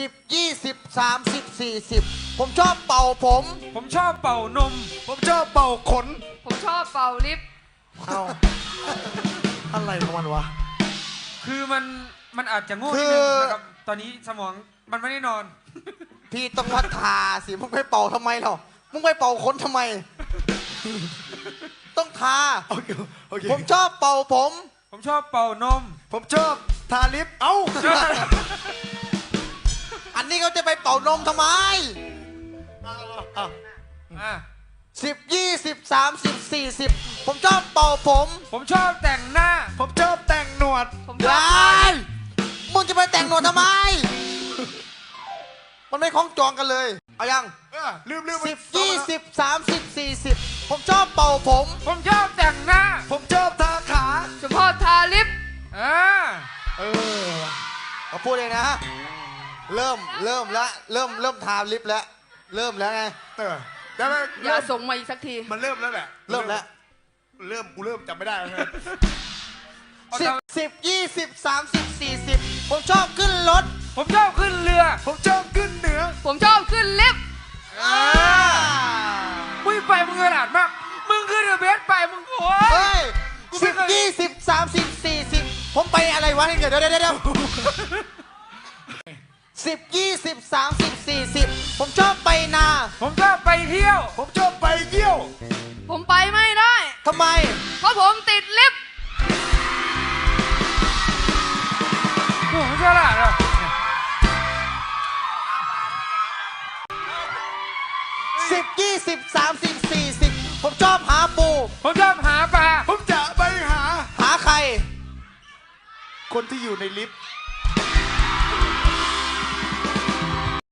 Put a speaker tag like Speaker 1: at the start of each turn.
Speaker 1: 10 20 30 40ผมชอบเป่าผม
Speaker 2: ผมชอบเป่านม
Speaker 3: ผมชอบเป่าขน
Speaker 4: ผมชอบเป่าลิฟต์
Speaker 1: เอาอะไรของมันวะ
Speaker 2: คือมันอาจจะโง่
Speaker 1: คื
Speaker 2: นิ
Speaker 1: อ
Speaker 2: ดนึงนะครับตอนนี้สมองมันไม่ได้นอน
Speaker 1: พี่ต้องวัดทาสิมึงไปเป่าทำไมหรอมึงไปเป่าขนทำไม ต้องทา
Speaker 3: โอเคโอเค
Speaker 1: ผมชอบเป่าผม
Speaker 2: ผมชอบเป่านม
Speaker 3: ผมชอบทาลิปเอ้า
Speaker 1: อันนี้เขาจะไปเป่านมทำไม
Speaker 2: อ่ะ
Speaker 1: 10 20 30 40ผมชอบเป่าผม
Speaker 2: ผมชอบแต่งหน้า
Speaker 3: ผมชอบแต่งหนวด
Speaker 4: ผมชอบ
Speaker 1: ได้มึงจะไปแต่งหนวดทำไม มันไม่คล้องจองกันเลย เอายัง
Speaker 3: ลืม
Speaker 1: 10 20 30 40ผมชอบเป่าผม
Speaker 2: ผมชอบแต่งหน้า
Speaker 3: ผมชอบทาขา
Speaker 4: ผมชอบทาลิฟต์
Speaker 2: อ่า
Speaker 1: เอาพูดเองนะ เริ่มทาลิปแล้ว เริ่มแล้วไง
Speaker 3: แล้วมัน
Speaker 4: อย่าส่งมาอีกสักที
Speaker 3: มันเริ่มแล้วแหละ
Speaker 1: เริ่มแล้ว
Speaker 3: กูเริ่มจำไม่ได้แล้ว
Speaker 1: 10 20 30 40ผมชอบขึ้นรถ
Speaker 2: ผมชอบขึ้นเรือ
Speaker 3: ผมชอบขึ้นเหนือ
Speaker 4: ผมชอบขึ้นลิฟต์
Speaker 2: มึงไปมึงขนาดมากมึงขึ้นเรือเบสไปมึงโอ้
Speaker 1: เฮ้
Speaker 2: ย
Speaker 1: ย
Speaker 2: กูไม่เคย
Speaker 1: 10 20 30 40ผมไปอะไรวะเดี๋ยว10 20 30 40ผมชอบไปนา
Speaker 2: ผมชอบไปเที่ยว
Speaker 3: ผมชอบไปเยี่ยว
Speaker 4: ผมไปไม่ได้
Speaker 1: ทำไม
Speaker 4: เพราะผมติดลิฟต์
Speaker 2: โอ้โหฉลาดอ่ะ
Speaker 1: 10 20 30 40ผมชอบหาปู
Speaker 2: ผมชอบหาปลา
Speaker 3: ผมจะไปหา
Speaker 1: หาใคร
Speaker 3: คนที่อยู่ในลิฟต์